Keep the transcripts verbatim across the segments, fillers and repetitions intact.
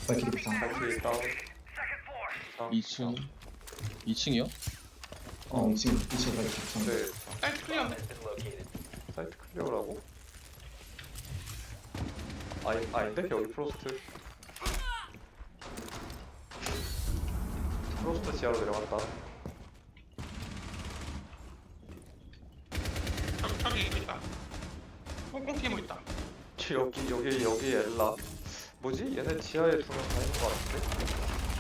발키리 비상. 발키리 다운. 다운. 이 층 이 층이요? 어, 이 층, 이 층 발키리 비상. 네. 사이트 클리어네. 사이트 클리어라고? 아니, 아닌데? 여기 프로스트. 프로스트 지하로 내려갔다. 저기 저기 있다. 꽁꽁 티모 있다. 여기 여기 여기 엘라. 뭐지? 얘네 지하에 두 명 다 있는 거 같은데?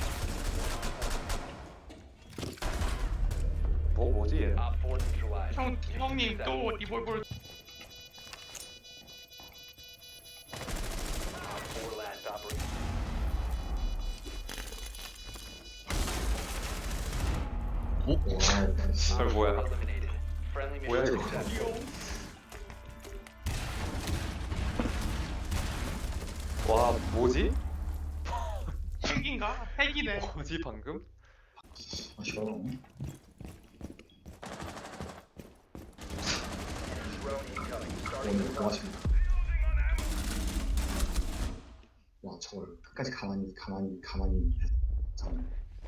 뭐 뭐지 얘? 형 형님 또 리볼볼. 오? 와, 씨. 저 뭐야? 뭐야 이거? 와 뭐지? 핵인가? 핵이네. 뭐지 방금? 아, 싫어. 오늘 고맙습니다. 와, 저걸 끝까지 가만히, 가만히, 가만히 참.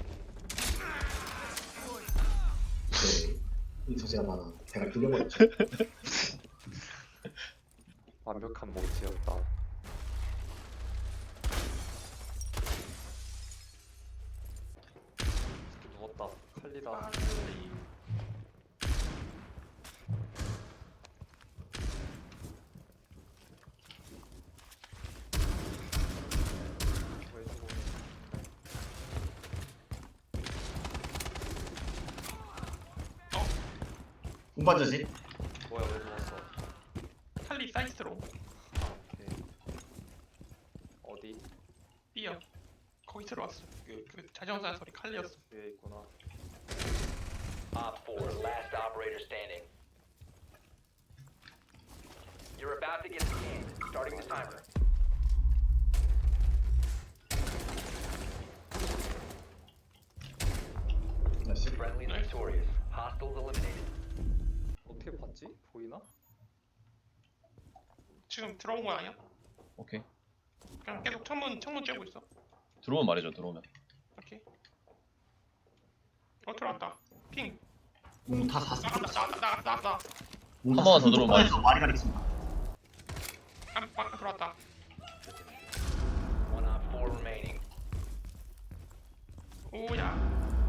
네, 이 소재가 많아. 배가 뚫려버렸죠. 완벽한 모지였다. 누웠다. 칼리다. 운반자지? 뭐야 왜 누웠어? 칼리 사이트로 오케이. 어디? 뛰어. 거기 들어왔어. 그, 그 자전거 소리 칼리였어. 위에 있구나. Op four, last operator standing. You're about to get scanned. Starting the timer. 나이스. Friendly Nice. victorious. Hostiles eliminated. 어떻게 봤지? 보이나? 지금 들어온 거 아니야? 오케이. 그냥 계속 창문 창문 쬐고 있어. 들어오면 말해줘. 들어오면. 오케이. 어 들어왔다. 핑. 문 다 닫았어. 나갔다 나갔다 나갔다 나갔다. 문 한 번만 더 들어오면 닫았어. 말이 가리겠습니다. 아, 아 들어왔다. One op four remaining. 오야.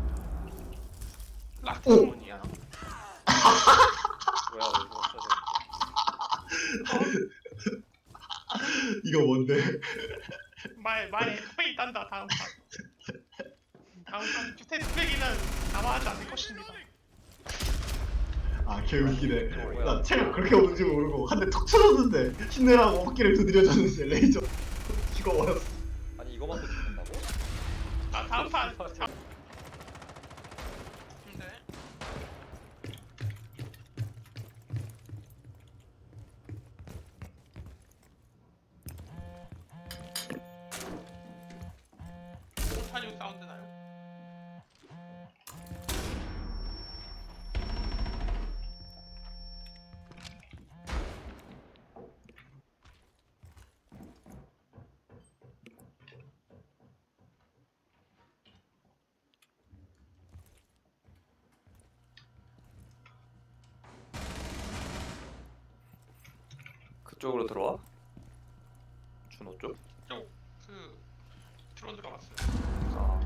라스트 창문이야. 뭐야 왜 누웠어? 이거 뭔데? 말 말에 페이 딴다 다음 판. 다음 판 주택 쓰레기는 남아하지 않을 것입니다. 아, 개웃기네. 나 체력 그렇게 오는지 모르고 한 대 턱 쳐줬는데 힘내라고 어깨를 두드려줬는데 레이저 죽어버렸어. 아니 이거만 더 죽는다고? 아 다음 판. 자. 네. 오타뉴 사운드 나요? 그쪽으로 들어와? 준호 쪽? 그 드론 들어갔어요. 아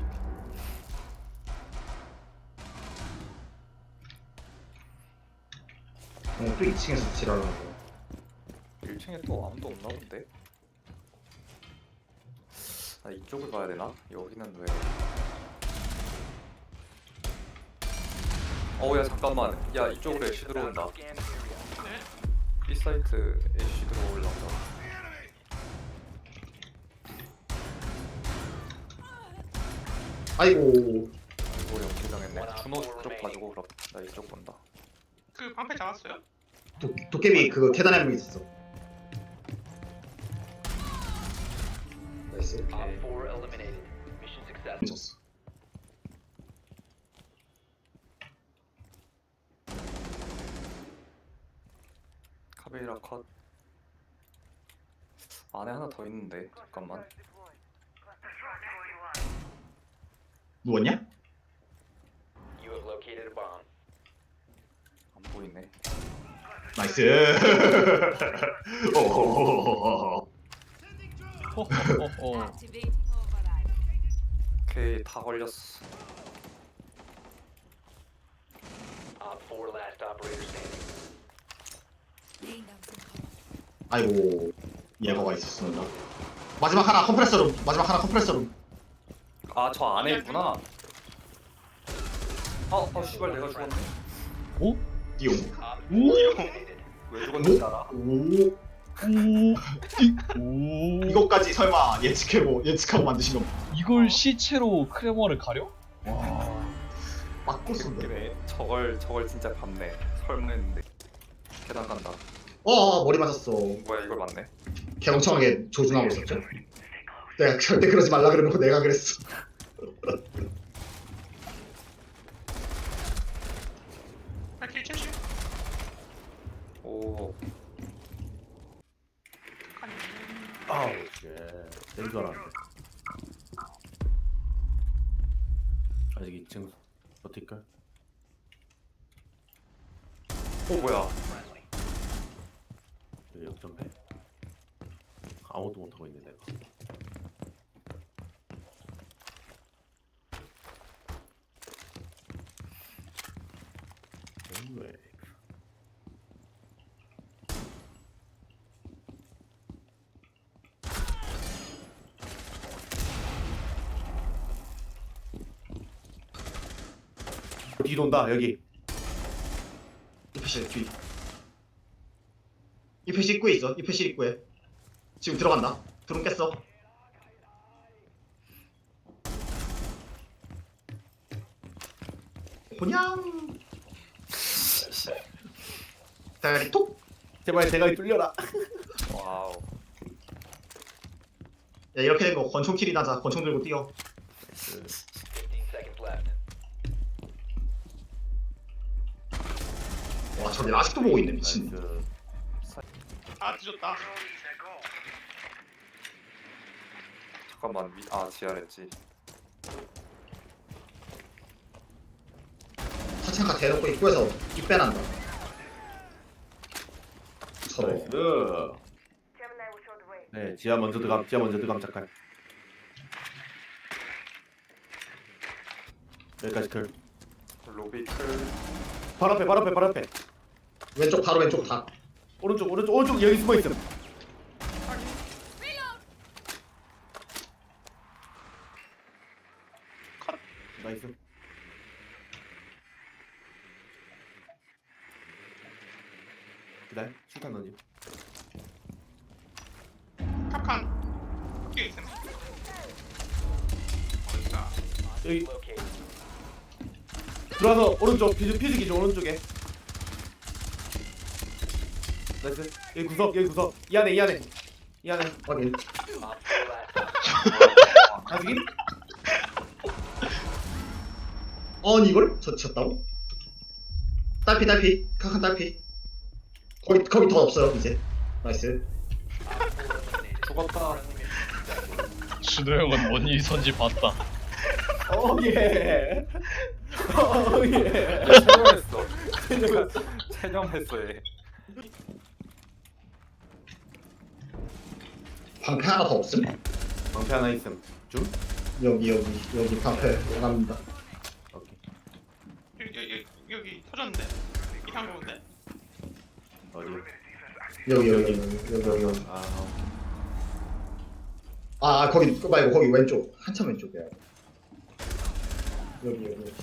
어, 또 이 층에서 지랄하고. 일 층에 또 아무도 없나 본데? 아 이쪽을 봐야 되나? 여기는 왜? 어우야 잠깐만 야 이쪽으로 애쉬 들어온다. Scan the area. 네. B 사이트 애쉬 들어올란다. 아이고. 아이고 연기당했네. 준호 쪽 봐주고 그럼 나 이쪽 본다. 그 방패 잡았어요? 도, 도깨비 그거 계단에 한 명 있었어. 나이스. Op four eliminated. Mission successful. 미쳤어. 카베이라 컷. 안에 하나 더 있는데 잠깐만. 누웠냐? You have located a bomb. 안 보이네. 나이스. 오호호호호. 호호호호. Activating override. 오케이 다 걸렸어. Op four last operator standing. Laying down some cover. 아이고 예거가 있었습니다. 마지막 하나 컴프레서룸. 마지막 하나 컴프레서룸. 아 저 안에 있구나. 어, 어 씨발 내가 죽었네. 오? 띠용. 오? 왜 죽었는지 알아? 오. 오? 이- 오? 이것까지 설마 예측하고 예측하고 만드신 거 이걸 시체로 크레머를 가려? 와. 맞고 쓴데. 그래 저걸 저걸 진짜 봤네. 설마 했는데. 계단 간다. 어 머리 맞았어. 뭐야 이걸 봤네. 개멍청하게 조준하고 있었죠. 내가 절대 그러지 말라 그래놓고 내가 그랬어. 발키리 칠십. 오. 아우 예. 된 줄 알았는데. 아직 이 층 버틸까? 오 뭐야? 그 역전패. 아무것도 못하고 있네 내가. 왜? 뒤 돈다 여기. 이 표시 뒤. 이 표시 입구에 있어. 이 표시 입구에. 지금 들어간다. 드론 깼어. 그냥. 대가리 톡. 제발 대가리 뚫려라. 와우. 야 이렇게 된 거 권총 킬이 나자. 권총 들고 뛰어. fifteen seconds left. 와 저기 아직도 보고 있네 미친. 나이스. 아 뒤졌다. 잠깐만 위, 아 지하랬지. 사창가 대놓고 입구에서 입 빼난다. 서로. 나이스. 네, 지하 먼저 들어감. 지하 먼저 들어감 잠깐. 여기까지 클. 로비 클. 바로 앞에, 바로 앞에, 바로 앞에. 왼쪽 바로 왼쪽 다. 오른쪽, 오른쪽, 오른쪽 여기 숨어 있음. 나이스. 기다려, 실탄 던지. 탑칸. 뒤에 있음. 어디가? 여기 Located. 들어와서 오른쪽 피즈 피즈 기준 오른쪽에. 나이스. 여기 구석, 여기 구석. 이 안에, 이 안에, 이 안에. 확인. Op four last op. 아직인? 아니 이걸 젖혔다고? 딸피 딸피 카칸 딸피. 거기 거기 더 없어요 이제. 나이스. 죽었다. 준호 형은 뭔 일이 선지 봤다. 오 예. 오 예. 체념했어. 체념했어 얘. 방패 하나 더 없음? 방패 하나 있음. 줌? 여기 여기 여기 방패 원합니다. 오케이. 여기 여기 여기 터졌는데. 이상 좋은데. 어디? 여기 여기 여기 여기 여기. 아 오케이. 아, 아 거기 그거 말고 거기 왼쪽 한참 왼쪽이야. 여기 여기.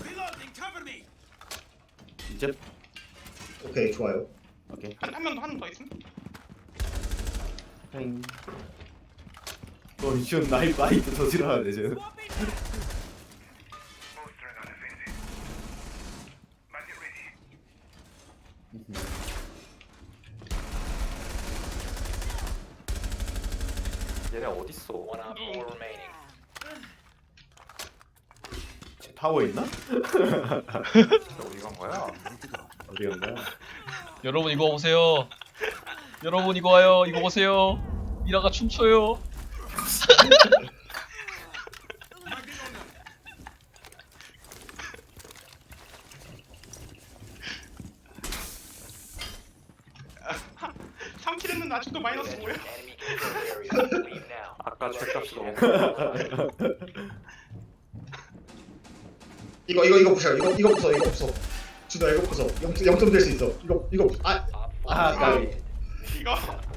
이제 오케이 좋아요. 오케이. 한한 명 더 한 명 더 있음. 행. 너 이런 나이 나이트 더 싫어하네 쟤. 얘네 어딨어? One op four remaining. 타워에 있나? 어디 간 거야? 어디 갔나? 여러분 이거 보세요. 여러분 이거 와요. 이거 보세요. 미라가 춤춰요. 플러스는 아직도 마이너스 뭐야? Enemy control area. Leave now. 아까 죄값이 너무 이거 이거 이거 부셔. 이거 이거 부숴. 이거 부숴. 준아 이거 부숴. 영 점 될 수 있어. 이거 이거 부- 아 Op four 아, 까비. 이거